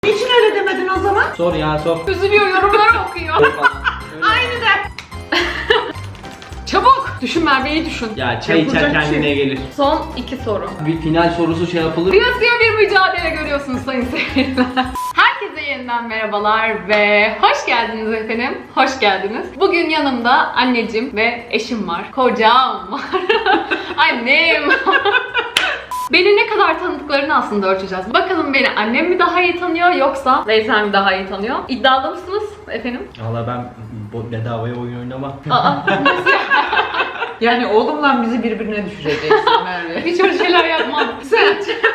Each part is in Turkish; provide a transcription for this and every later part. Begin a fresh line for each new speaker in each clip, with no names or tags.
Niçin öyle demedin o zaman?
Sor ya sor.
Üzülüyor, yorumları okuyor. Aynı de. Çabuk. Düşün Merve'yi düşün.
Ya çay içer
Yapılacak
kendine
şey.
gelir.
Son 2 soru.
Bir final sorusu şey yapılır.
Kıyasıya bir mücadele görüyorsunuz sayın seyirciler. Herkese yeniden merhabalar ve hoş geldiniz efendim. Hoş geldiniz. Bugün yanımda anneciğim ve eşim var. Kocam var. Annem var. Beni ne kadar tanıdıklarını aslında ölçeceğiz. Bakalım beni annem mi daha iyi tanıyor yoksa Veysel mi daha iyi tanıyor? İddialı mısınız efendim?
Valla ben bedavaya oyun oynamam.
Aa, nasıl ya?
Yani oğlumla bizi birbirine düşüreceksin Merve.
Hiç öyle şeyler yapmam.
Sen.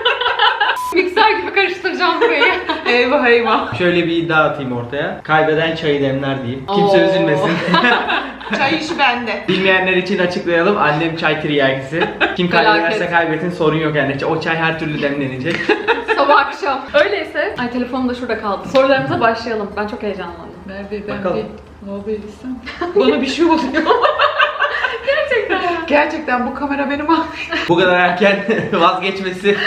Mikser gibi karıştıracağım burayı.
Eyvah eyvah.
Şöyle bir iddia atayım ortaya. Kaybeden çayı demler diyeyim. Kimse
Oo.
üzülmesin.
Çay işi bende.
Bilmeyenler için açıklayalım. Annem çay tiryakisi. Kim kaybederse
Felaket.
kaybetsin, sorun yok yani. O çay her türlü demlenecek.
Sabah akşam. Öyleyse, ay telefonum da şurada kaldı. Sorularımıza başlayalım. Ben çok heyecanlandım.
Merve ben
Bakalım.
bir haber etsem. Bana bir şey oluyor.
Gerçekten ya.
Gerçekten bu kamera benim abi.
Bu kadar erken vazgeçmesi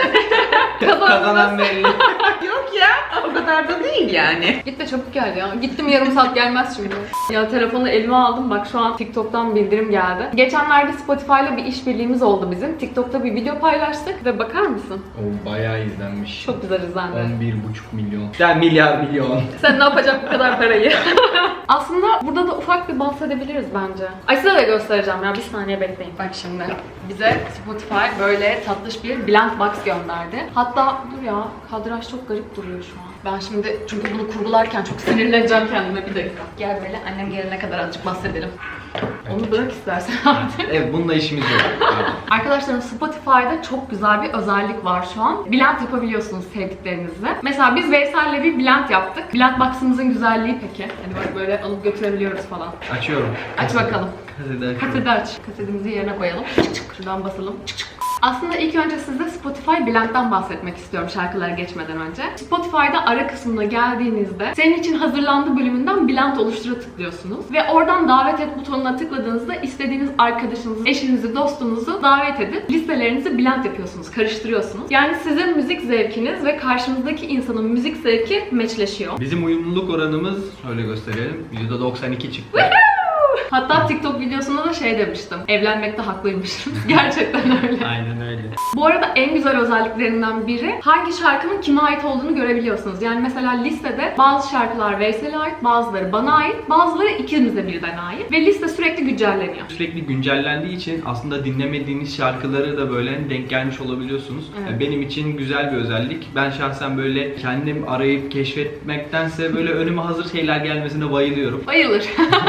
kazanan belli.
Yok ya. O kadar da değil yani.
Git de çabuk gel ya. Gittim yarım saat gelmez şimdi. Ya telefonu elime aldım. Bak şu an TikTok'tan bildirim geldi. Geçenlerde Spotify'la bir işbirliğimiz oldu bizim. TikTok'ta bir video paylaştık ve bakar mısın?
O bayağı izlenmiş.
Çok güzel izlendi.
11,5 milyon. Yani milyar milyon.
Sen ne yapacak bu kadar parayı? Aslında burada da ufak bir bahsedebiliriz bence. Ay size de göstereceğim ya, bir saniye bekleyin. Bak şimdi bize Spotify böyle tatlış bir Blend Box gönderdi. Hatta dur ya, kadraj çok garip duruyor şu an. Ben şimdi çünkü bunu kurgularken çok sinirleneceğim kendime, bir dakika. Gel böyle annem gelene kadar azıcık bahsedelim. Onu bırak istersen artık.
Evet, bununla işimiz yok.
Arkadaşlarım, Spotify'da çok güzel bir özellik var şu an. Blend yapabiliyorsunuz sevdiklerinizle. Mesela biz Veysel'le bir blend yaptık. Blend box'ımızın güzelliği peki. Hani bak böyle alıp götürebiliyoruz falan.
Açıyorum.
Aç bakalım.
Kaseti açıyorum.
Kaseti aç. Kasetimizi yerine koyalım. Çık çık. Şuradan basalım. Çık çık. Aslında ilk önce size Spotify Blend'den bahsetmek istiyorum şarkılara geçmeden önce. Spotify'da ara kısmına geldiğinizde senin için hazırlandı bölümünden Blend oluştura tıklıyorsunuz. Ve oradan davet et butonuna tıkladığınızda istediğiniz arkadaşınızı, eşinizi, dostunuzu davet edip listelerinizi blend yapıyorsunuz, karıştırıyorsunuz. Yani sizin müzik zevkiniz ve karşınızdaki insanın müzik zevki meçleşiyor.
Bizim uyumluluk oranımız, şöyle gösterelim, %92 çıktı.
Hatta TikTok videosunda da şey demiştim. Evlenmekte haklıymışım. Gerçekten öyle.
Aynen öyle.
Bu arada en güzel özelliklerinden biri hangi şarkının kime ait olduğunu görebiliyorsunuz. Yani mesela listede bazı şarkılar Veysel'e ait, bazıları bana ait, bazıları ikimize birden ait ve liste sürekli güncelleniyor.
Sürekli güncellendiği için aslında dinlemediğiniz şarkıları da böyle denk gelmiş olabiliyorsunuz.
Evet.
Yani benim için güzel bir özellik. Ben şahsen böyle kendim arayıp keşfetmektense böyle önüme hazır şeyler gelmesine bayılıyorum.
Bayılır.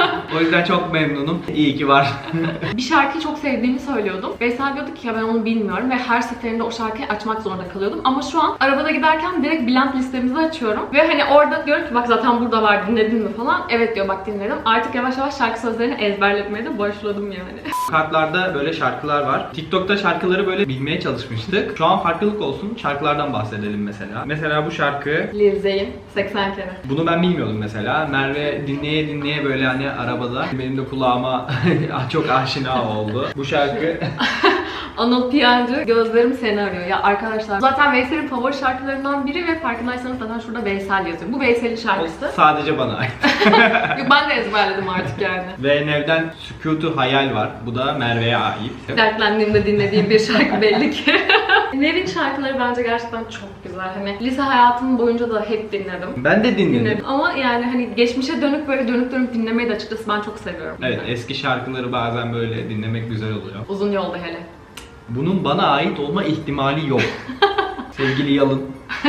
O yüzden çok memnunum. İyi ki var.
Bir şarkıyı çok sevdiğimi söylüyordum. Veysel diyordu ki ya ben onu bilmiyorum ve her seferinde o şarkıyı açmak zorunda kalıyordum. Ama şu an arabada giderken direkt Blend listemizi açıyorum. Ve hani orada diyorum ki bak zaten burada var, dinledin mi falan. Evet diyor, bak dinledim. Artık yavaş yavaş şarkı sözlerini ezberletmeye de başladım yani.
Kartlarda böyle şarkılar var. TikTok'ta şarkıları böyle bilmeye çalışmıştık. Şu an farklılık olsun. Şarkılardan bahsedelim mesela. Mesela bu şarkı.
Lil Zeyn 80 kere.
Bunu ben bilmiyordum mesela. Merve dinleye dinleye böyle hani arabada benim de kulağıma çok aşina oldu. Bu şarkı
Anıl Piyancı, Gözlerim Seni Arıyor. Ya arkadaşlar zaten Veysel'in favori şarkılarından biri ve farkındaysanız zaten şurada Veysel yazıyor. Bu Veysel'in şarkısı.
sadece bana ait.
Yok, ben de ezberledim artık yani.
Ve Nev'den Sükutu Hayal var. Bu da Merve'ye ait.
Dertlendiğimde dinlediğim bir şarkı belli ki. Nev'in şarkıları bence gerçekten çok güzel. Hani lise hayatım boyunca da hep dinledim.
Ben de dinledim.
Ama yani hani geçmişe dönük böyle dönüp dönüp dinlemeyi de açıkçası ben çok seviyorum.
Evet, eski şarkıları bazen böyle dinlemek güzel oluyor.
Uzun yolda hele.
Bunun bana ait olma ihtimali yok. Sevgili Yalın.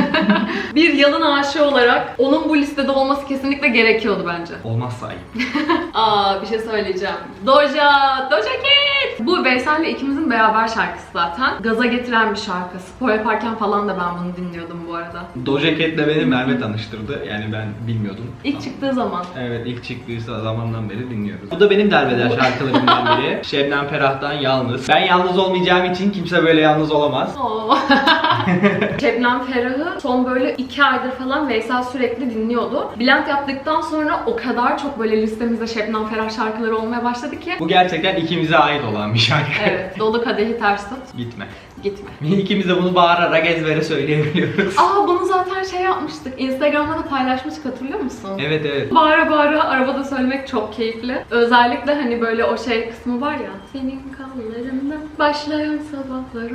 Bir Yalın aşığı olarak onun bu listede olması kesinlikle gerekiyordu bence.
Olmazsa ayıp.
Aa, bir şey söyleyeceğim. Doja Cat! Bu Veysel'le ikimizin beraber şarkısı zaten. Gaza getiren bir şarkı. Spor yaparken falan da ben bunu dinliyordum bu arada.
Doja Cat'le beni Merve tanıştırdı. Yani ben bilmiyordum.
İlk çıktığı zaman.
Evet, ilk çıktığı zamandan beri dinliyoruz. Bu da benim derbeder şarkılarımdan biri. Şebnem Ferah'tan Yalnız. Ben yalnız olmayacağım için kimse böyle yalnız olamaz.
Oo. Şebnem Ferah Ferah'ı son böyle 2 aydır falan Veysel sürekli dinliyordu. Bülent yaptıktan sonra o kadar çok böyle listemizde Şebnem Ferah şarkıları olmaya başladı ki.
Bu gerçekten ikimize ait olan bir şarkı.
Evet, dolu kadehi ters tut.
Gitme.
Gitme.
İkimiz de bunu bağırarak ezbere söyleyebiliyoruz.
Bunu zaten şey yapmıştık. Instagram'da da paylaşmıştık, hatırlıyor musun?
Evet evet.
Bağıra bağıra arabada söylemek çok keyifli. Özellikle hani böyle o şey kısmı var ya. Senin kollarında başlayan sabahlarım.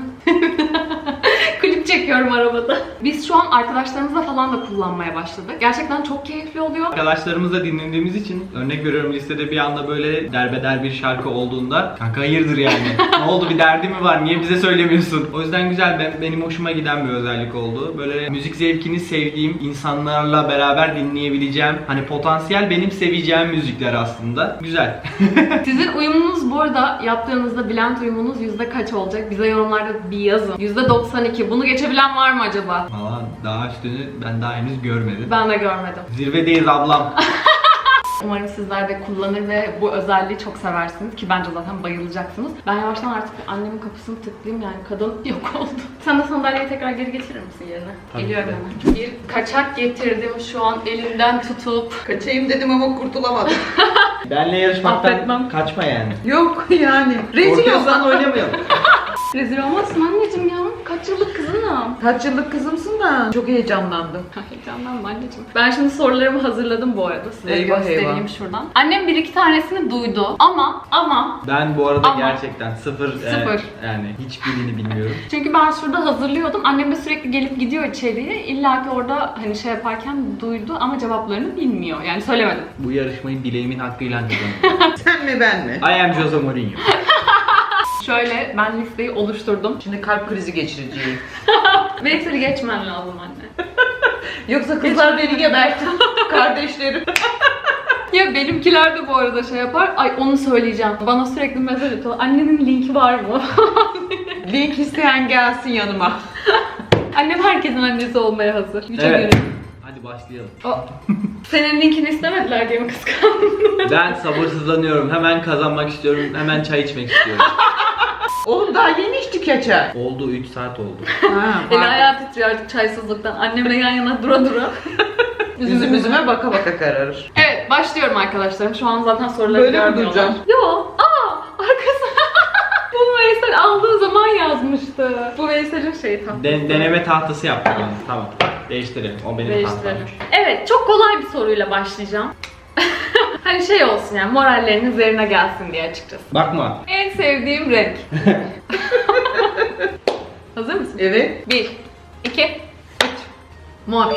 Klip çekiyorum arabada. Biz şu an arkadaşlarımızla falan da kullanmaya başladık. Gerçekten çok keyifli oluyor.
Arkadaşlarımızla dinlediğimiz için örnek veriyorum, listede bir anda böyle derbeder bir şarkı olduğunda kanka hayırdır yani. Ne oldu, bir derdi mi var, niye bize söylemiyorsun? O yüzden güzel, benim hoşuma giden bir özellik oldu. Böyle müzik zevkini sevdiğim insanlarla beraber dinleyebileceğim, hani potansiyel benim seveceğim müzikler aslında. Güzel.
Sizin uyumunuz bu arada yaptığınızda Bülent uyumunuz yüzde kaç olacak? Bize yorumlarda bir yazın. %92. Bunu geçebilen var mı acaba?
Valla daha üstünü ben daha henüz görmedim.
Ben de görmedim.
Zirvedeyiz ablam.
Umarım sizler de kullanır ve bu özelliği çok seversiniz ki bence zaten bayılacaksınız. Ben yavaştan artık annemin kapısını tıklayayım, yani kadın yok oldu. Sen de sandalyeyi tekrar geri getirir misin yerine?
Tabii
Geliyorum
ki.
hemen. Bir kaçak getirdim şu an elinden tutup.
Kaçayım dedim ama kurtulamadım.
Benle yarışmaktan
Affetmem.
kaçma yani.
Yok yani. Rezil
Korkuyorsan
olsan
oynamayalım.
Rezil olmazsın anneciğim ya. Kaç yıllık kızınım.
Kaç yıllık kızımsın da çok heyecanlandım.
Heyecanlanma anneciğim. Ben şimdi sorularımı hazırladım bu arada. Size
Eyvah,
göstereyim
eyvah.
şuradan. Annem bir iki tanesini duydu ama
Ben bu arada
Ama-
gerçekten sıfır. Yani hiçbirini bilmiyorum.
çünkü ben şurada hazırlıyordum. Annem de sürekli gelip gidiyor içeriye. İlla ki orada hani şey yaparken duydu ama cevaplarını bilmiyor. Yani söylemedim.
Bu yarışmayı bileğimin hakkıyla kazandım.
Sen mi ben mi?
I am Jose Mourinho.
Şöyle ben listeyi oluşturdum.
Şimdi kalp krizi geçireceğim.
Veysel'i geçmen lazım anne.
Yoksa kızlar beni gebertir. Kardeşlerim.
Ya benimkiler de bu arada şey yapar. Ay onu söyleyeceğim. Bana sürekli mesaj atıyor. Annenin linki var mı?
Link isteyen gelsin yanıma.
Annem herkesin annesi olmaya hazır. Hiç
Evet.
evet.
Hadi başlayalım.
Senin linkini istemediler diye mi kıskandın?
Ben sabırsızlanıyorum. Hemen kazanmak istiyorum. Hemen çay içmek istiyorum.
Oğlum daha yeni içtik ya çay.
Oldu, 3 saat oldu.
Ha,
Eli ayağı titriyor artık çaysızlıktan. Annemle yan yana dura dura.
Üzüm üzüme baka baka kararır.
Evet, başlıyorum arkadaşlarım. Şu an zaten soruları
Böyle mi
görmüyorlar.
duracağım?
Yo, arkası. Bu Veysel aldığı zaman yazmıştı. Bu Veysel'in şeyi tam.
Deneme tahtası yaptım ben. Tamam. Değiştirelim. O benim
Değiştirelim.
tahtammış.
Evet, çok kolay bir soruyla başlayacağım. Hani şey olsun yani, moralleriniz yerine gelsin diye açıkçası.
Bakma.
En sevdiğim renk. Hazır mısın?
Evet.
1, 2, 3.
Mor.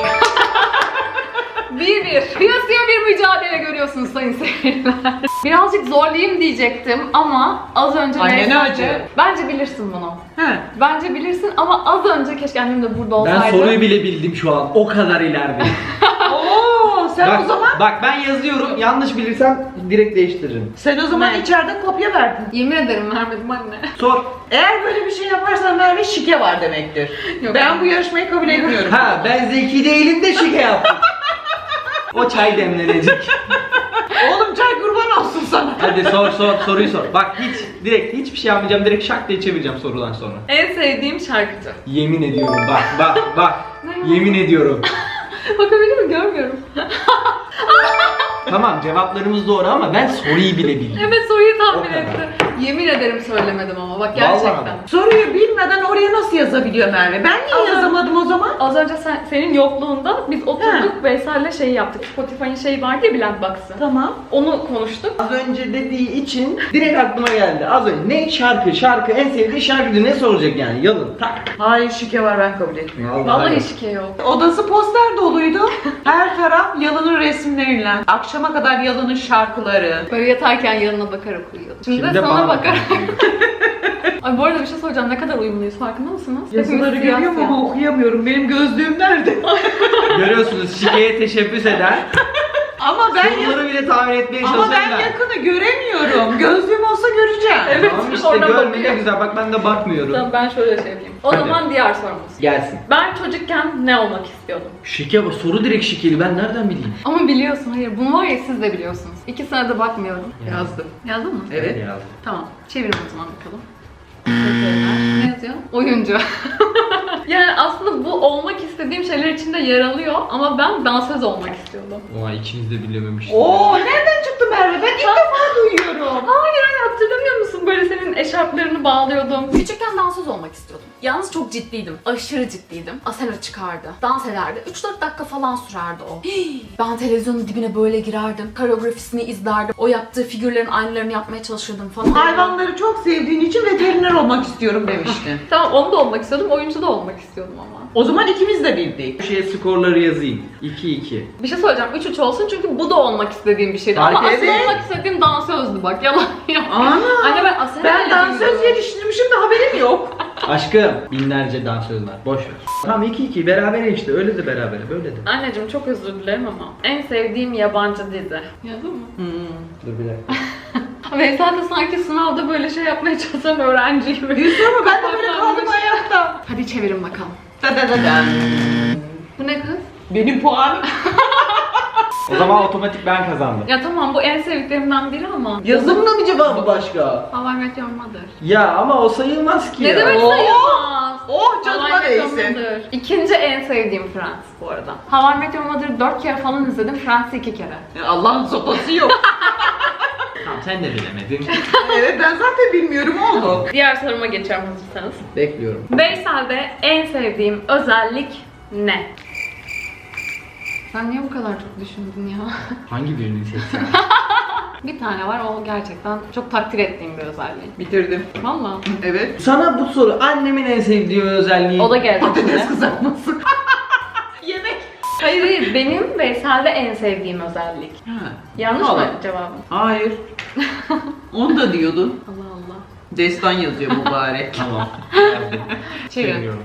1-1. Kıyasıya bir mücadele görüyorsunuz sayın seyirciler. Birazcık zorlayayım diyecektim ama az önce
Annene
Veysel'de-
acı.
Bence bilirsin bunu.
He.
Bence bilirsin ama az önce keşke annem de burada olsaydı.
Ben soruyu bile bildim şu an. O kadar ileride.
Oo, sen o zaman
Bak ben yazıyorum. Yanlış bilirsem direkt değiştiririm.
Ne?
içeride kopya verdin.
Yemin ederim vermedim anne.
Sor.
Eğer böyle bir şey yaparsan Merve şike var demektir.
Yok.
Ben bu yarışmayı kabul etmiyorum.
Ha, ben zeki değilim de şike yaptım. O çay demlenecek.
Oğlum çay kurban olsun sana.
Hadi soruyu sor. Bak direkt hiçbir şey yapmayacağım. Direkt şak diye çevireceğim sorudan sonra.
En sevdiğim şarkıcı.
Yemin ediyorum bak.
Ne?
Yemin ediyorum.
Bakabilir miyim? Görmüyorum.
Tamam, cevaplarımız doğru ama ben soruyu bile bildim.
Evet, soruyu tahmin
O kadar.
etti. Yemin ederim söylemedim ama bak
Vallahi
gerçekten.
mi?
Soruyu bilmeden oraya nasıl yazabiliyor Merve? Ben niye
Ama-
yazamadım o zaman?
Az önce senin yokluğunda biz oturduk Veysel'le şey yaptık. Spotify'ın şeyi vardı ya, Bülent Box'ı.
Tamam.
Onu konuştuk.
Az önce dediği için direkt aklıma geldi. Az önce ne şarkı en sevdiği şarkıcı ne soracak yani? Yalın tak.
Hayır şike var, ben kabul etmiyorum.
Vallahi şike yok.
Odası poster doluydu. Her taraf Yalın'ın resimleriyle. Akşama kadar Yalın'ın şarkıları.
Böyle yatarken yanına bakarak uyuyordum. Şimdi,
Şimdi
de sana
bana
bakarak.
bakın.
Ay bu arada bir şey soracağım. Ne kadar uyumluyuz, farkında mısınız?
Yazıları
Hepimiz siyah
görüyorum
siyah.
ama okuyamıyorum. Benim gözlüğüm nerede?
Görüyorsunuz, şikeye teşebbüs eden.
Ama ben
Soruları bile tahmin etmeye
ama
çalışan
ben yakını göremiyorum. Gözlüğüm olsa göreceğim.
Evet.
Tamam işte
Oradan
görme ne
bakıyor.
güzel, bak ben de bakmıyorum.
Tamam, ben şöyle şey yapayım. O
Hadi.
zaman diğer sorumuz.
Gelsin.
Ben çocukken ne olmak istiyordum?
Şike bu, soru direkt şikeli, ben nereden bileyim?
Ama biliyorsun, hayır bunu var ya siz de biliyorsunuz. 2 senede bakmıyorum.
Yazdım.
Yazdın mı?
Evet.
Tamam. Çevirin o zaman bakalım. Ne yazıyor? Oyuncu. Yani aslında bu olmak istediğim şeyler içinde yer alıyor ama ben dansöz olmak istiyordum.
Oha ikimiz de bilememişiz.
Oo nereden çıktı Merve? Ben ilk defa duyuyorum.
Hayır hatırlamıyor musun? Böyle senin eşarplarını bağlıyordum. Küçükken dansöz olmak istiyordum. Yalnız çok ciddiydim. Aşırı ciddiydim. Asena çıkardı. Dans ederdi. 3-4 dakika falan sürerdi o. Ben televizyonun dibine böyle girerdim. Koreografisini izlerdim. O yaptığı figürlerin aynılarını yapmaya çalışırdım falan.
Hayvanları çok sevdiğin için veteriner olmak istiyorum demiştin.
Tamam onu da olmak istiyordum. Oyuncu da olmak istiyordum ama.
O zaman ikimiz de bildik.
Şeye skorları yazayım. 2-2.
Bir şey söyleyeceğim. 3-3 olsun çünkü bu da olmak istediğim bir şeydi.
Fark
Ama asıl
evet.
olmak istediğim dansözdü bak. Yalan yok.
Ana!
Anne ben Asena
Ben dansöz yetiştirmişim de haberim yok.
Aşkım binlerce dansöz var. Boş ver. Tamam 2-2 berabere işte. Öyle de berabere. Böyle de.
Anneciğim çok özür dilerim ama en sevdiğim yabancı dizi. Yazdın mı?
Dur bir dakika.
Veysel de sanki sınavda böyle şey yapmaya çalışan öğrenci gibi.
Ama ben de böyle kaldım ayakta.
Hadi çevirin bakalım.
Da da da da.
Bu ne kız?
Benim puanım.
O zaman otomatik ben kazandım.
Ya tamam bu en sevdiklerimden biri ama.
Yazımla mı cevabı başka?
How I Met Your Mother.
Ya ama o sayılmaz ki
Ne
ya.
demek
Oo!
sayılmaz?
Oh canıma
How I Met Your
değsin.
Mother. İkinci en sevdiğim Friends bu arada. How I Met Your Mother'ı 4 kere falan izledim. Friends'i 2 kere.
Allah'ın sopası yok.
Tamam sen de bilemedin.
Evet ben zaten bilmiyorum oğlum.
Diğer soruma geçiyorum hazırsanız.
Bekliyorum.
Veysel'de en sevdiğim özellik ne? Sen niye bu kadar çok düşündün ya?
Hangi birini seçsin?
Bir tane var, o gerçekten çok takdir ettiğim bir özelliği.
Bitirdim.
Valla.
Evet.
Sana bu soru annemin en sevdiği özelliği.
O da gelecek
Patates
şimdi.
kızartması. Yemek.
Hayır hayır, benim Veysel'de en sevdiğim özellik.
Ha.
Yanlış mı
Allah.
cevabım?
Hayır. Onu da diyordun.
Allah Allah.
Destan yazıyor mübarek.
Tamam.
Çevir.
Çeviriyorum.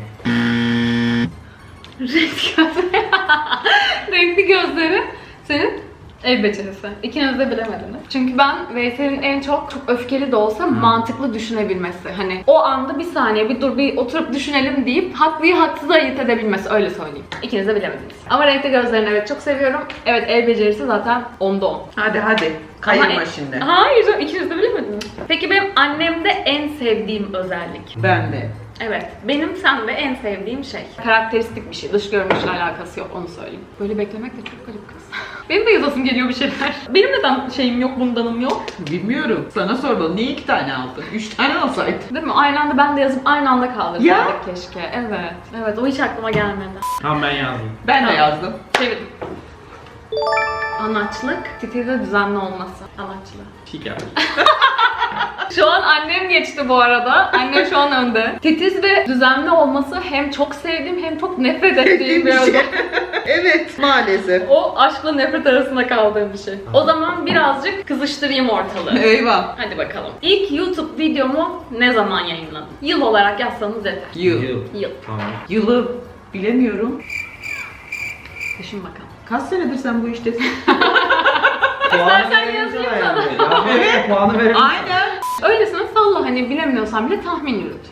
Renkli gözleri. Renkli gözleri senin el becerisi. İkiniz de bilemediniz. Çünkü ben Veysel'in en çok öfkeli de olsa mantıklı düşünebilmesi. Hani o anda bir saniye bir dur bir oturup düşünelim deyip haklıyı haksıza ayırt edebilmesi, öyle söyleyeyim. İkiniz de bilemediniz. Ama renkli gözlerini evet çok seviyorum. Evet el becerisi zaten 10'da 10.
Hadi hadi.
Ama
Kayırma şimdi.
Hayır canım, ikiniz de bilemediniz. Peki benim annemde en sevdiğim özellik.
Ben de.
Evet, benim sende en sevdiğim şey. Karakteristik bir şey, dış görünüşle alakası yok, onu söyleyeyim. Böyle beklemek de çok garip kız. Benim de yazasım geliyor bir şeyler. Benim neden şeyim yok, bundanım yok?
Bilmiyorum. Sana sordum. Niye 2 tane aldın? 3 tane alsaydın.
Değil mi? Aynı anda ben de yazıp aynı anda
Ya.
kaldırsaydık keşke. Evet. Evet, o hiç aklıma gelmedi.
Tamam ben yazdım.
Ben de
Tamam.
yazdım.
Çevirdim. Anaçlık, titizde düzenli olması. Anaçlık.
Şeker.
Şu an annem geçti bu arada. Annem şu an önde. Titiz ve düzenli olması hem çok sevdiğim hem çok nefret ettiğim bir
şey.
özellik.
Evet maalesef.
O aşkla nefret arasında kaldığım bir şey. O zaman birazcık kızıştırayım ortalığı.
Eyvah.
Hadi bakalım. İlk YouTube videomu ne zaman yayınladım? Yıl olarak yazsanız yeter.
Yıl.
Yıl.
Tamam.
Yılı bilemiyorum.
Düşün bakalım.
Kaç senedir sen bu iştesin?
İstersen yazayım sana.
Evet. Puanı verelim.
Aynen.
Öylesine salla, hani bilemiyorsan bile tahmin yürüt.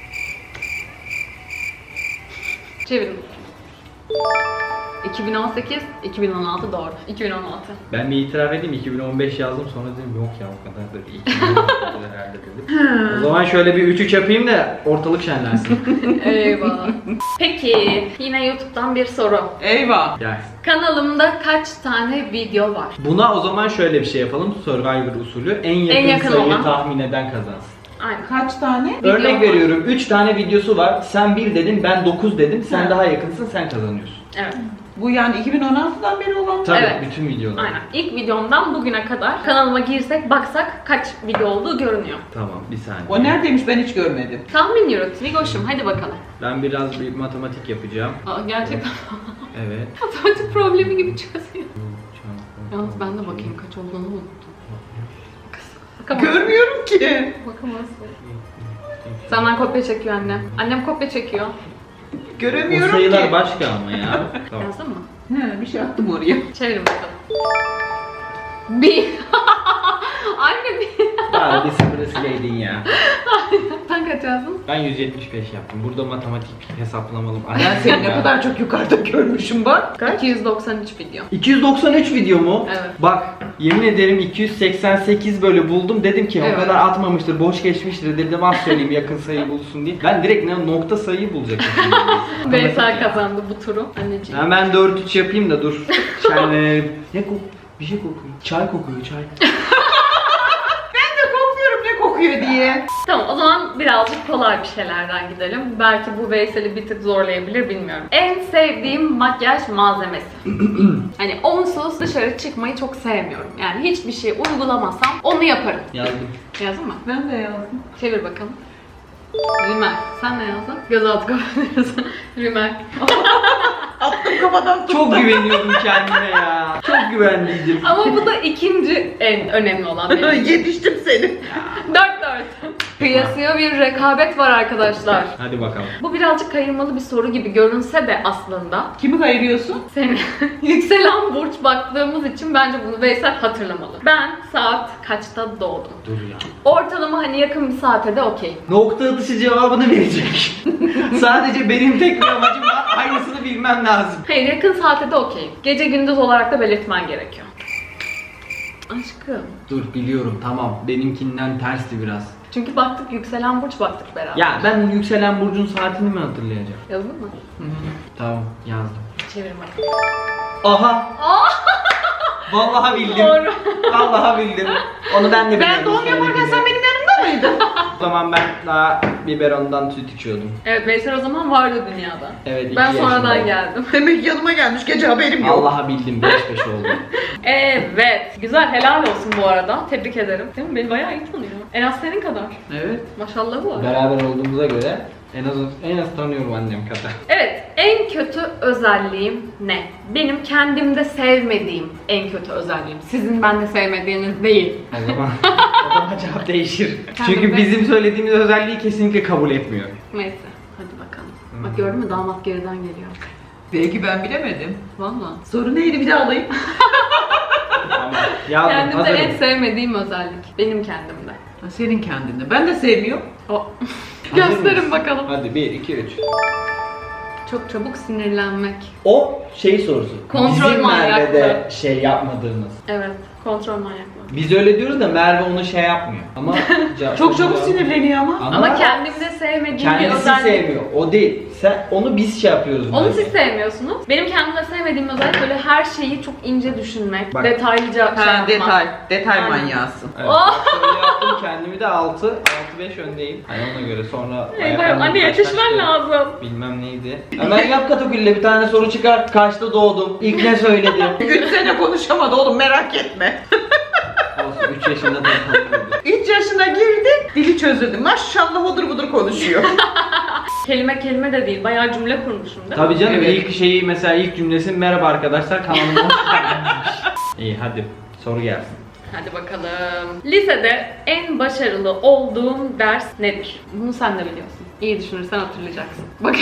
Çevirin. 2018, 2016 doğru. 2016.
Ben bir itiraf edeyim 2015 yazdım sonra dedim yok ya o kadar da değil. 2016 herhalde dedim. O zaman şöyle bir 3-3 yapayım da ortalık şenlensin.
Eyvah. Peki, yine YouTube'dan bir soru.
Eyvah.
Gelsin.
Kanalımda kaç tane video var?
Buna o zaman şöyle bir şey yapalım Survivor usulü. En yakın,
yakın
sayıyı
olan.
tahmin eden kazansın.
Aynen.
Kaç tane?
Örnek
var.
veriyorum 3 tane videosu var. Sen 1 dedin ben 9 dedim. Sen
Hı.
daha yakınsın sen kazanıyorsun.
Evet.
Bu yani 2016'dan beri olan mı?
Tabii
Evet.
bütün videolar.
Aynen. İlk videomdan bugüne kadar kanalıma girsek baksak kaç video olduğu görünüyor.
Tamam bir saniye.
O neredeymiş ben hiç görmedim.
Tahmin yürüt. Vigoş'um hadi bakalım.
Ben biraz bir matematik yapacağım.
Aa, gerçekten
Evet.
matematik problemi gibi çözüyor. Yalnız ben de bakayım kaç olduğunu unuttum. Bakamazsın.
Görmüyorum ki.
Bakamazsın. Senden kopya çekiyor annem. Annem kopya çekiyor.
O
Göremiyorum
sayılar
ki.
başka ama ya. Tamam.
Yazdın mı?
He, bir şey attım oraya.
Çevirin bakalım. Bir. Anne bir...
Daha bir sıfırı sileydin ya.
Sen kaç yazdın?
Ben 175 yaptım. Burada matematik hesaplamalı.
Ben seni ne kadar çok yukarıda görmüşüm bak.
293 video.
293 video mu?
Evet.
Bak yemin ederim 288 böyle buldum. Dedim ki
Evet.
o kadar atmamıştır, boş geçmiştir dedim, az söyleyeyim yakın sayı bulsun diye. Ben direkt nokta sayıyı bulacaktım.
Veysel kazandı bu turu. Anneciğim.
Hemen 4-3 yapayım da dur. Şenlenelim. Ne kok? Bir şey kokuyor. Çay kokuyor, çay.
Ben de korkuyorum ne kokuyor diye.
Tamam, o zaman birazcık kolay bir şeylerden gidelim. Belki bu Veysel'i bir tık zorlayabilir, bilmiyorum. En sevdiğim makyaj malzemesi. Hani onsuz dışarı çıkmayı çok sevmiyorum. Yani hiçbir şey uygulamasam onu yaparım.
Yazdım.
Yazdın mı?
Ben de yazdım.
Çevir bakalım. Rimel. Sen ne yazdın? Gözaltı kapatıyorsun. Rimel.
Attım kafadan tuttum.
Çok güveniyordum kendime ya. Çok güvenliydim.
Ama bu da ikinci en önemli olan benim.
Yetiştim seni.
4-4. Kıyasıya bir rekabet var arkadaşlar.
Hadi bakalım.
Bu birazcık kayırmalı bir soru gibi görünse de aslında
Kimi kayırıyorsun?
seni yükselen burç baktığımız için bence bunu Veysel hatırlamalı. Ben saat kaçta doğdum?
Dur ya.
Ortalama hani yakın bir saate de okey.
Nokta atışı cevabını verecek. Sadece benim tek bir amacım var. Aynısını bilmem lazım.
Hayır, yakın saate de okey. Gece gündüz olarak da belirtmen gerekiyor. Aşkım.
Dur biliyorum, tamam. Benimkinden tersti biraz.
Çünkü baktık, yükselen burç baktık beraber.
Ya ben yükselen burcun saatini mi hatırlayacağım?
Yazdın mı?
Tamam, yazdım.
Çevir bakalım.
Aha! Vallahi bildim.
Doğru.
Vallahi bildim. Onu ben de biliyorum.
Ben doğum yaparken sen benim yanımda mıydın?
O zaman ben daha biberondan süt içiyordum.
Evet, Veysel o zaman vardı dünyada.
Evet, 2
Ben sonradan
yaşındaydım.
geldim.
Demek yanıma gelmiş gece haberim yok.
Vallahi bildim, 5-5 oldu.
Evet. Güzel, helal olsun bu arada. Tebrik ederim. Değil mi? Beni bayağı iyi tanıyor. En az senin kadar.
Evet.
Maşallah var.
Beraber olduğumuza göre en az tanıyorum annem kadar.
Evet, en kötü özelliğim ne? Benim kendimde sevmediğim en kötü özelliğim. Sizin bende sevmediğiniz değil.
O zaman cevap değişir.
Kendime-
Çünkü bizim söylediğimiz özelliği kesinlikle kabul etmiyor.
Neyse, hadi bakalım. Bak gördün mü, damat geriden geliyor.
Belki ben bilemedim.
Valla.
Soru neydi bir daha alayım.
Tamam. Yazdım,
Kendimde
hazırım.
en sevmediğim özellik. Benim kendimde.
Senin kendinde. Ben de sevmiyorum.
O.
Hazır
Gösterin
mıyız?
bakalım.
Hadi 1, 2, 3.
Çok çabuk sinirlenmek.
O şey sorusu.
Kontrol
Bizim
manyaklığı.
Merve'de şey yapmadığımız.
Evet, kontrol manyaklığı.
Biz öyle diyoruz da Merve onu şey yapmıyor. Ama
Çok çabuk sinirleniyor ama.
Ama kendimde sevmediğim bir
kendisi
özellik.
sevmiyor. O değil. Onu biz şey yapıyoruz.
Onu
bence.
siz sevmiyorsunuz. Benim kendimde sevmediğim özellik böyle her şeyi çok ince düşünmek,
Bak.
detaylıca şey
Ha,
yapmak.
detay. Detay
Aynen.
manyağısın.
Evet.
Oh!
Bak şöyle yaptım, kendimi de 6-5 öndeyim. Hani ona göre sonra
Eyvah, anne yetişmen lazım.
Bilmem neydi. Hemen yap Katakül'le bir tane soru çıkar. Kaçta doğdum? İlk ne söyledim?
3 sene konuşamadı oğlum merak etme.
Olsun 3 yaşında da tanıyordu.
3 yaşına girdi, dili çözüldü. Maşallah odur budur konuşuyor.
Kelime kelime de değil, bayağı cümle kurmuşum değil mi?
Tabii canım,
Evet.
ilk şeyi mesela ilk cümlesi merhaba arkadaşlar kanalıma hoş geldiniz. İyi hadi soru gelsin.
Hadi bakalım. Lisede en başarılı olduğum ders nedir? Bunu sen de biliyorsun. İyi düşünürsen hatırlayacaksın. Bak.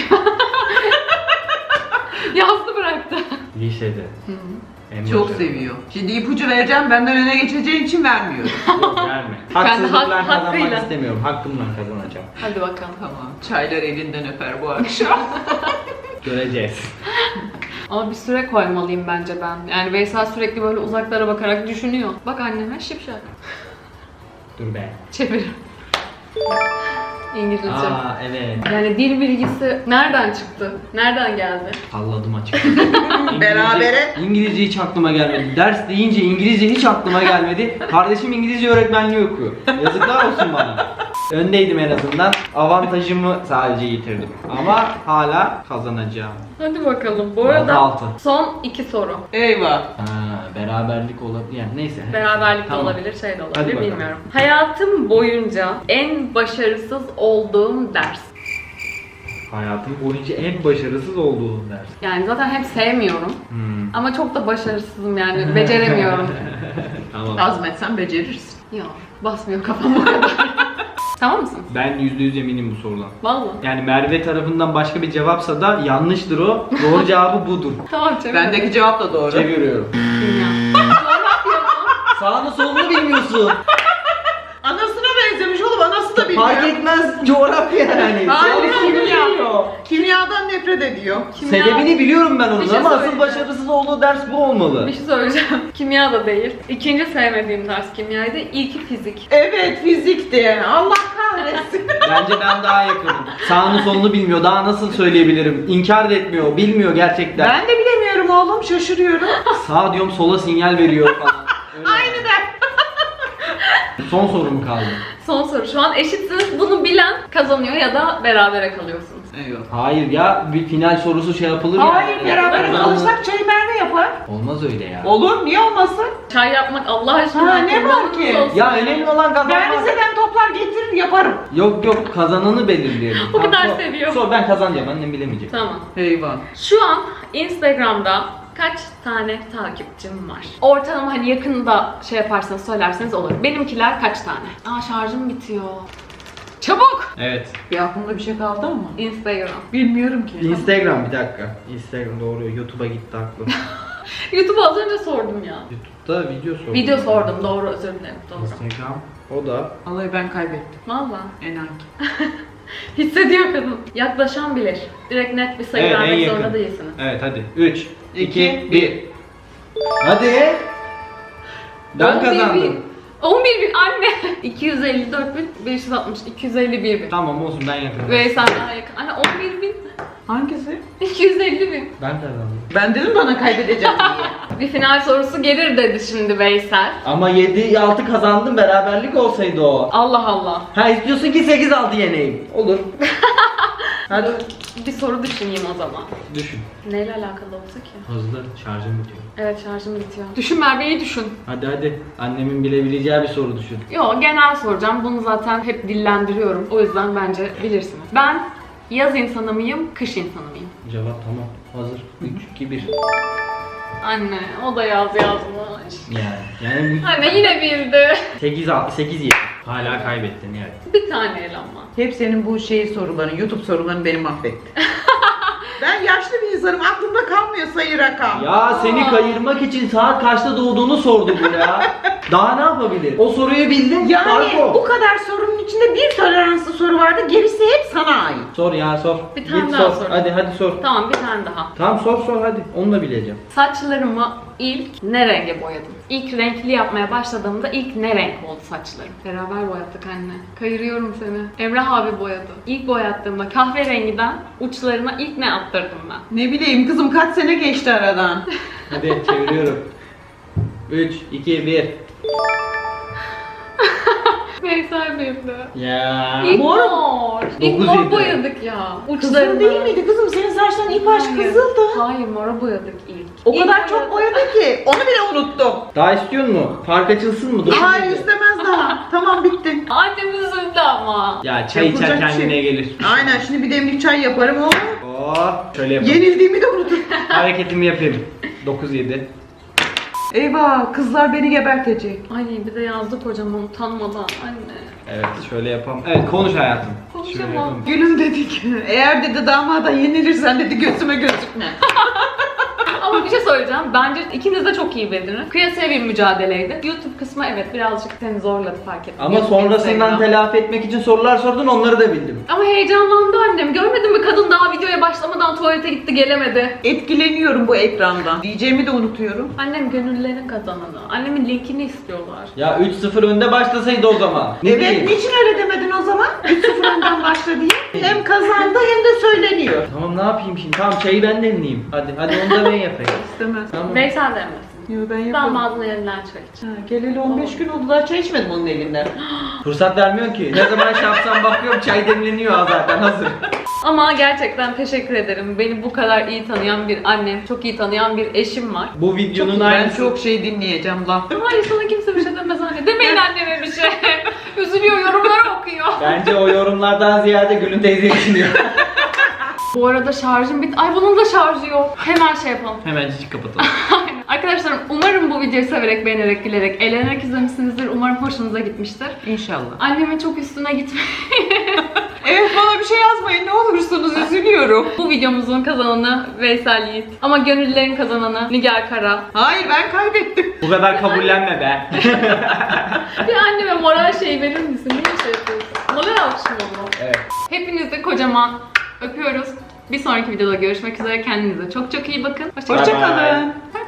Yazdı bıraktı.
Lisede. En
Çok
başarılı.
seviyor. Şimdi ipucu vereceğim, benden öne geçeceğin için vermiyorum.
Yok verme. Haksızlıkla kazanmak
hakkıyla.
istemiyorum. Hakkımla kazanacağım.
Hadi bakalım.
Tamam, çaylar elinden öper bu akşam.
Göreceğiz.
Ama bir süre koymalıyım bence ben. Yani Veysel sürekli böyle uzaklara bakarak düşünüyor. Bak anneme şipşak.
Dur be.
Çevir. İngilizce.
Aa evet.
Yani dil bilgisi nereden çıktı? Nereden geldi?
Salladım açıkçası.
Berabere.
İngilizce hiç aklıma gelmedi. Ders deyince İngilizce hiç aklıma gelmedi. Kardeşim İngilizce öğretmenliği okuyor. Yazıklar olsun bana. Öndeydim en azından. Avantajımı sadece yitirdim. Ama hala kazanacağım.
Hadi bakalım. Bu arada
Altı.
son 2 soru.
Eyvah.
Ha, beraberlik olabilir. Yani neyse.
Beraberlik de
Tamam.
olabilir, şey de
Hadi
olabilir,
bakalım.
bilmiyorum. Hayatım boyunca en başarısız olduğum ders.
Hayatım boyunca en başarısız olduğum ders.
Yani zaten hep sevmiyorum.
Hmm.
Ama çok da başarısızım yani. Beceremiyorum.
Tamam.
Azmetsen becerirsin.
Ya basmıyor kafam o kadar. Tamam mısın?
Ben %100 eminim bu sorudan.
Vallahi.
Yani Merve tarafından başka bir cevapsa da yanlıştır o. Doğru cevabı budur.
Tamam çevir.
Bendeki cevap da doğru.
Çeviriyorum.
Dünya. Coğrafya mı?
Sağını solunu bilmiyorsun.
Anasına benzemiş oğlum, anası da bilmiyor.
Fark etmez coğrafya yani.
Hayır,
Sağını solunu
kimya.
bilmiyor.
Kimyadan nefret ediyor.
Sebebini biliyorum ben
Bir
onun
şey
ama asıl
söyleyeceğim.
başarısız olduğu ders bu olmalı.
Bir şey söyleyeceğim. Kimya da değil. İkinci sevmediğim ders kimyaydı. İlki fizik.
Evet, fizikti. Allah kahretsin.
Bence ben daha yakınım. Sağını solunu bilmiyor. Daha nasıl söyleyebilirim? İnkar da etmiyor. Bilmiyor gerçekten.
Ben de bilemiyorum oğlum, şaşırıyorum.
Sağ diyorum sola sinyal veriyor falan. Öyle.
Aynı der.
Son sorum kaldı.
Son soru. Şu an eşitsiniz. Bunu bilen kazanıyor ya da berabere kalıyorsunuz.
Eyvallah.
Hayır ya, bir final sorusu şey yapılır ya.
Hayır, beraber
Ben-
kalırsak çayı Merve yapar.
Olmaz öyle ya.
Olur, niye olmasın?
Çay yapmak Allah aşkına.
Ha, ne var ki?
kurbanınız olsun.
Ya önemli olan
Ben
kazanmak.
Rize'den toplar getirir yaparım.
Yok kazananı belirleyelim.
O kadar
Tamam,
seviyor.
Sor, ben kazanacağım, annem bilemeyecek.
Tamam.
Eyvah.
Şu an Instagram'da kaç tane takipçim var? Ortalama hani yakında şey yaparsanız söylerseniz olur. Benimkiler kaç tane? Şarjım bitiyor. Çabuk!
Evet.
Bir aklımda bir şey kaldı mı?
Instagram.
Bilmiyorum ki.
Instagram, bir dakika. Instagram doğru, YouTube'a gitti aklım.
YouTube'u az önce sordum ya.
YouTube'da video sordum.
Video sordum, doğru, özür dilerim. Doğru.
Instagram. O da.
Vallahi ben kaybettim.
Valla.
Enak.
Hissediyor kadın. Yaklaşan bilir. Direkt net bir sayı
Evet, en
vermek
yakın.
zorunda değilsiniz.
Evet hadi. 3, 2,
İki,
1. Hadi. Ben
11.000.
kazandım.
11.000 anne. 254.560, 251.000.
Tamam olsun, ben yakınım.
Ve sen daha yakın. Anne 11.000.
Hangisi?
250.000.
Ben kazandım.
Ben dedim bana kaybedeceğim diye.
Bir final sorusu gelir dedi şimdi Veysel.
Ama 7-6 kazandım, beraberlik olsaydı o.
Allah Allah.
Ha, istiyorsun ki 8-6 yeneyim. Olur. Hadi.
Bir soru düşüneyim o zaman.
Düşün.
Neyle alakalı olsa ki?
Hızlı, şarjım bitiyor.
Evet, şarjım bitiyor. Düşün Merve'yi düşün.
Hadi. Annemin bilebileceği bir soru düşün.
Yo, genel soracağım. Bunu zaten hep dillendiriyorum. O yüzden bence bilirsiniz. Ben yaz insanı mıyım, kış insanı mıyım?
Cevap tamam. Hazır. 3, 2, 1.
Anne, o da yaz yazmış.
Yani
Anne yine bildi.
8 7. Hala kaybettin yani.
Bir tane el ama.
Hep senin bu soruların, YouTube soruların beni mahvetti. Ben yaşlı bir insanım, aklımda kalmıyor sayı rakam.
Ya seni kayırmak için saat kaçta doğduğunu sordu bu ya. Daha ne yapabilir? O soruyu bildin.
Yani
fark o.
bu kadar sorunun içinde bir toleranslı soru vardı, gerisi hep sana ait.
Sor ya, sor.
Bir tane
Git
daha
sor.
sor.
Hadi sor.
Tamam, bir tane daha.
Tamam sor hadi. Onu da bileceğim.
Saçlarımı ilk ne renge boyadım? İlk renkli yapmaya başladığımda ilk ne renk oldu saçlarım? Beraber boyattık anne. Kayırıyorum seni. Emrah abi boyadı. İlk boyattığımda kahverengiden uçlarına ilk ne attırdım ben?
Ne bileyim kızım, kaç sene geçti aradan.
Hadi çeviriyorum. 3, 2, 1.
Veysel bildi.
Ya.
İlk
Mor.
mor. İlk
9
mor
yedi.
boyadık ya.
Kızıl değil miydi kızım? Senin saçların ip aç
Hayır.
kızıldı.
Hayır, mora boyadık ilk.
O
İlk
kadar çok boyadı ki onu bile unuttum.
Daha istiyor mu? Fark açılsın mı? Dokuz
Hayır,
yedi.
istemez daha. Tamam, bitti.
Annem üzüldü ama.
Ya çay içer
Yapılacak bir
kendine
şey.
gelir.
Aynen, şimdi bir demlik çay yaparım oğlum.
Şöyle yapalım.
Yenildiğimi de unuturum.
Hareketimi yapayım. 9 7.
Eyvah, kızlar beni gebertecek.
Ay bir de yazdı kocaman utanmadan anne.
Evet şöyle yapalım. Evet konuş hayatım.
Konuşamam.
Şöyle yapalım.
Gülüm dedik. Eğer dedi damada yenilirsen dedi gözüme gözükme.
Ama bir şey söyleyeceğim. Bence ikiniz de çok iyi bildiniz. Kıyasaya bir mücadeleydi. YouTube kısmı evet birazcık seni zorladı, fark ettim.
Ama
YouTube,
sonrasından
Instagram.
telafi etmek için sorular sordun, onları da bildim.
Ama heyecanlandı annem. Görmedin mi, kadın daha videoya başlamadan tuvalete gitti, gelemedi.
Etkileniyorum bu ekrandan. Diyeceğimi de unutuyorum.
Annem gönüllerin kazananı. Annemin linkini istiyorlar.
Ya 3-0 önde başlasaydı o zaman. Ne
Evet,
diyeyim?
niçin öyle demedin o zaman? 3-0 önden başla diye. Hem kazandı hem de söyleniyor.
Tamam ne yapayım şimdi? Tamam çayı ben demleyeyim. Hadi onu da ben yapayım.
İstemez.
Tamam.
Veysel demesin.
Yo, ben
Ben
yaparım.
bazı elinden çay iç.
Ha, geleli 15 gün oldu, daha çay içmedim onun elinden.
Fırsat vermiyorsun ki. Ne zaman şey yapsam bakıyorum çay demleniyor zaten hazır.
Ama gerçekten teşekkür ederim. Beni bu kadar iyi tanıyan bir annem, çok iyi tanıyan bir eşim var.
Bu videonun
Ben
aynısı.
çok şey dinleyeceğim laf.
Hayır, sana kimse bir şey demez anne. Demeyin anneme bir şey. Üzülüyor, yorumları okuyor.
Bence o yorumlardan ziyade Gülün teyze düşünüyor.
Bu arada şarjım bitti. Ay bunun da şarjı yok. Hemen şey yapalım.
Hemencik kapatalım.
Aynen. Arkadaşlarım umarım bu videoyu severek, beğenerek, gülerek, eğlenerek izlemişsinizdir. Umarım hoşunuza gitmiştir.
İnşallah.
Annemin çok üstüne gitmeyin.
Evet, bana bir şey yazmayın ne olursunuz, üzülüyorum.
ediyorum. Bu videomuzun kazananı Veysel Yiğit. Ama gönüllerin kazananı Nigar Kara.
Hayır, ben kaybettim.
Bu kadar kabullenme be.
Bir anneme moral şey verir misin? Niye şey yapıyorsun? Moral alkışım oldu.
Evet.
Hepinizi kocaman öpüyoruz. Bir sonraki videoda görüşmek üzere. Kendinize çok çok iyi bakın.
Bye bye.
Hoşçakalın.
Bye.